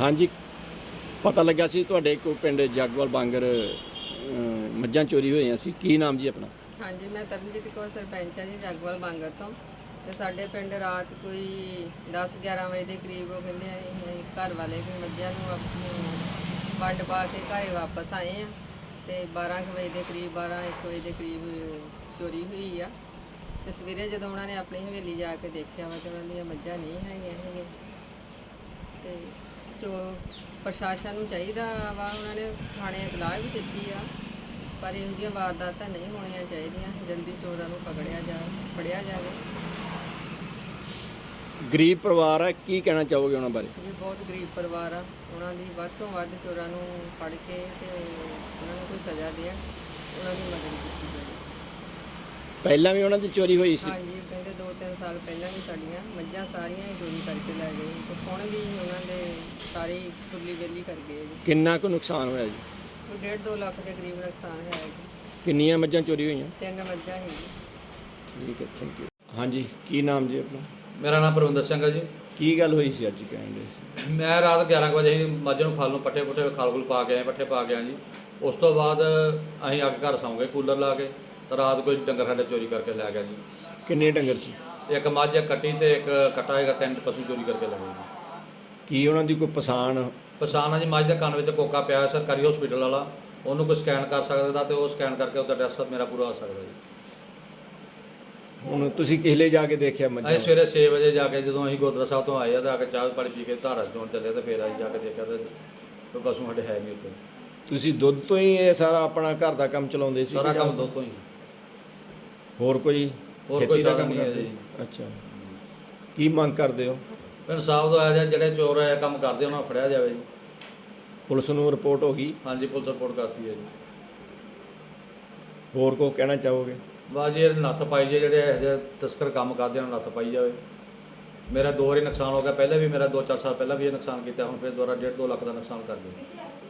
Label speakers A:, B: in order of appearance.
A: ਹਾਂਜੀ ਪਤਾ ਲੱਗਾ ਸੀ ਤੁਹਾਡੇ ਕੋਈ ਪਿੰਡ ਜਗਵਾਲ ਬਾਂਗਰ ਮੱਝਾਂ ਚੋਰੀ ਹੋਈਆਂ ਸੀ। ਕੀ ਨਾਮ ਜੀ ਆਪਣਾ?
B: ਹਾਂਜੀ, ਮੈਂ ਤਰਨਜੀਤ ਕੌਰ ਸਰਪੰਚ ਹਾਂ ਜੀ ਜਗਵਾਲ ਬਾਂਗਰ ਤੋਂ। ਤੇ ਸਾਡੇ ਪਿੰਡ ਰਾਤ ਕੋਈ 10-11 ਵਜੇ ਦੇ ਕਰੀਬ ਉਹ ਕਹਿੰਦੇ ਆ ਅਸੀਂ ਘਰ ਵਾਲੇ ਵੀ ਮੱਝਾਂ ਨੂੰ ਆਪਣੀ ਵੰਡ ਪਾ ਕੇ ਘਰੇ ਵਾਪਸ ਆਏ ਆ ਤੇ 12 ਕੁ ਵਜੇ ਦੇ ਕਰੀਬ 12-1 ਵਜੇ ਦੇ ਕਰੀਬ ਚੋਰੀ ਹੋਈ ਆ। ਤੇ ਸਵੇਰੇ ਜਦੋਂ ਉਹਨਾਂ ਨੇ ਆਪਣੀ ਹਵੇਲੀ ਜਾ ਕੇ ਦੇਖਿਆ ਵਾ ਤੇ ਉਹਨਾਂ ਦੀਆਂ ਮੱਝਾਂ ਨਹੀਂ ਹੈਗੀਆਂ। ਤੇ ਪ੍ਰਸ਼ਾਸਨ ਨੂੰ ਚਾਹੀਦਾ ਵਾ, ਉਹਨਾਂ ਨੇ ਥਾਣੇ ਇਤਲਾਹ ਵੀ ਦਿੱਤੀ ਆ, ਪਰ ਇਹੋ ਜਿਹੀਆਂ ਵਾਰਦਾਤਾਂ ਨਹੀਂ ਹੋਣੀਆਂ ਚਾਹੀਦੀਆਂ। ਜਲਦੀ ਚੋਰਾਂ ਨੂੰ ਫੜਿਆ ਜਾਵੇ।
A: ਗਰੀਬ ਪਰਿਵਾਰ ਹੈ, ਕੀ ਕਹਿਣਾ ਚਾਹੋਗੇ ਉਹਨਾਂ ਬਾਰੇ?
B: ਇਹ ਬਹੁਤ ਗਰੀਬ ਪਰਿਵਾਰ ਆ, ਉਹਨਾਂ ਦੀ ਵੱਧ ਤੋਂ ਵੱਧ ਚੋਰਾਂ ਨੂੰ ਫੜ ਕੇ ਤੇ ਉਹਨਾਂ ਨੂੰ ਕੋਈ ਸਜ਼ਾ ਦੇਣ, ਉਹਨਾਂ ਦੀ ਮਦਦ ਕੀਤੀ ਜਾਵੇ।
A: ਪਹਿਲਾਂ ਵੀ ਉਹਨਾਂ ਦੀ ਚੋਰੀ ਹੋਈ ਸੀ?
B: ਹਾਂਜੀ, ਕਹਿੰਦੇ 2-3 ਸਾਲ ਪਹਿਲਾਂ ਵੀ ਸਾਡੀਆਂ ਮੱਝਾਂ ਸਾਰੀਆਂ ਹੀ ਚੋਰੀ ਕਰਕੇ ਲੈ ਗਏ ਤੇ ਹੁਣ ਵੀ ਉਹਨਾਂ ਦੇ ਸਾਰੀ ਖੁੱਲੀ ਵੇਲੀ ਕਰ ਗਏ ਜੀ।
A: ਕਿੰਨਾ ਕੁ ਨੁਕਸਾਨ ਹੋਇਆ ਜੀ?
B: ਕੋਈ 1.5-2 ਲੱਖ ਦੇ ਕਰੀਬ ਨੁਕਸਾਨ ਹੈ ਜੀ।
A: ਕਿੰਨੀਆਂ ਮੱਝਾਂ ਚੋਰੀ ਹੋਈਆਂ?
B: 3 ਮੱਝਾਂ ਹੀ ਜੀ।
A: ਠੀਕ ਹੈ, ਥੈਂਕ ਯੂ। ਹਾਂਜੀ, ਕੀ ਨਾਮ ਜੀ ਆਪਣਾ?
C: ਮੇਰਾ ਨਾਮ ਪਰਵਿੰਦਰ ਸਿੰਘ ਹੈ ਜੀ।
A: ਕੀ ਗੱਲ ਹੋਈ ਸੀ ਅੱਜ ਕਹਿੰਦੇ ਸੀ?
C: ਮੈਂ ਰਾਤ 11 ਵਜੇ ਹੀ ਮੱਝ ਨੂੰ ਖਲ ਨੂੰ ਪੱਠੇ ਖਲ ਪਾ ਕੇ ਆਏ, ਪੱਠੇ ਪਾ ਕੇ ਆਏ ਜੀ। ਉਸ ਤੋਂ ਬਾਅਦ ਅਸੀਂ ਆ ਕੇ ਘਰ ਸੌਂ ਗਏ ਕੂਲਰ ਲਾ ਕੇ। ਤਾਂ ਰਾਤ ਕੋਈ ਡੰਗਰ ਸਾਡੇ ਚੋਰੀ ਕਰਕੇ ਲੈ ਗਿਆ ਜੀ।
A: ਕਿੰਨੇ ਡੰਗਰ ਸੀ?
C: ਇੱਕ ਮੱਝ, ਇੱਕ ਕੱਟੀ ਤੇ ਇੱਕ ਕੱਟਾ ਹੈਗਾ, 3 ਪਸ਼ੂ ਚੋਰੀ ਕਰਕੇ ਲੈ ਗਏ ਜੀ।
A: ਕੀ ਉਹਨਾਂ ਦੀ ਕੋਈ ਪਛਾਣ?
C: ਪਛਾਣ ਆ ਜੀ, ਮੱਝ ਦੇ ਕੰਨ ਵਿੱਚ ਕੋਕਾ ਪਿਆ, ਸਰਕਾਰੀ ਹਸਪੀਟਲ ਵਾਲਾ, ਉਹਨੂੰ ਕੋਈ ਸਕੈਨ ਕਰ ਸਕਦਾ ਤੇ ਉਹ ਸਕੈਨ ਕਰਕੇ ਉਹਦਾ ਐਡਰੈਸ ਮੇਰਾ ਪੂਰਾ ਆ ਸਕਦਾ ਜੀ।
A: ਹੁਣ ਤੁਸੀਂ ਕਿਹਲੇ ਜਾ ਕੇ ਦੇਖਿਆ ਮੱਝਾਂ?
C: ਅਸੀਂ ਸਵੇਰੇ 6 ਵਜੇ ਜਾ ਕੇ, ਜਦੋਂ ਅਸੀਂ ਗੁਰਦੁਆਰਾ ਸਾਹਿਬ ਤੋਂ ਆਏ ਆ ਤਾਂ ਆ ਕੇ ਚਾਹ ਪਾਣੀ ਪੀ ਕੇ ਧਾਰਾ ਚੋਣ ਚੱਲੇ ਤੇ ਫਿਰ ਅਸੀਂ ਜਾ ਕੇ ਦੇਖਿਆ ਤੇ ਕੋਈ ਪਸ਼ੂ ਸਾਡੇ ਹੈ ਨਹੀਂ ਉੱਥੇ।
A: ਤੁਸੀਂ ਦੁੱਧ ਤੋਂ ਹੀ ਇਹ ਸਾਰਾ ਆਪਣਾ ਘਰ ਦਾ ਕੰਮ ਚਲਾਉਂਦੇ ਸੀ?
C: ਸਾਰਾ ਕੰਮ ਦੁੱਧ ਤੋਂ ਹੀ।
A: ਹੋਰ ਕੋਈ
C: ਹੋਰ
A: ਖੇਤੀ ਦਾ
C: ਸਾਧਨ
A: ਕੰਮ
C: ਨਹੀਂ ਹੈ
A: ਕਰਦੇ?
C: ਜੀ।
A: ਅੱਛਾ, ਕੀ ਮੰਗ ਕਰਦੇ ਹੋ?
C: ਇਨਸਾਫ ਦਾ ਆਇਆ ਜਿਹੜੇ ਚੋਰ ਇਹ ਕੰਮ ਕਰਦੇ ਉਹਨਾਂ ਨੂੰ ਫੜਿਆ ਜਾਵੇ ਜੀ।
A: ਪੁਲਿਸ ਨੂੰ ਰਿਪੋਰਟ ਹੋ ਗਈ?
C: ਹਾਂਜੀ, ਪੁਲਿਸ ਰਿਪੋਰਟ ਕਰਤੀ ਹੈ ਜੀ।
A: ਹੋਰ ਕੋ ਕਹਿਣਾ ਚਾਹੋਗੇ?
C: ਬਸ ਜੀ ਇਹ ਨੱਥ ਪਾਈ ਜੇ, ਜਿਹੜੇ ਇਹੋ ਜਿਹੇ ਤਸਕਰ ਕੰਮ ਕਰਦੇ ਉਹਨਾਂ ਨੂੰ ਨੱਥ ਪਾਈ ਜਾਵੇ। ਮੇਰਾ 2 ਵਾਰੀ ਨੁਕਸਾਨ ਹੋ ਗਿਆ, ਪਹਿਲੇ ਵੀ ਮੇਰਾ 2-4 ਸਾਲ ਪਹਿਲਾਂ ਵੀ ਇਹ ਨੁਕਸਾਨ ਕੀਤਾ, ਹੁਣ ਫਿਰ ਦੁਬਾਰਾ 1.5-2 ਲੱਖ ਦਾ ਨੁਕਸਾਨ ਕਰ ਦਿਓ।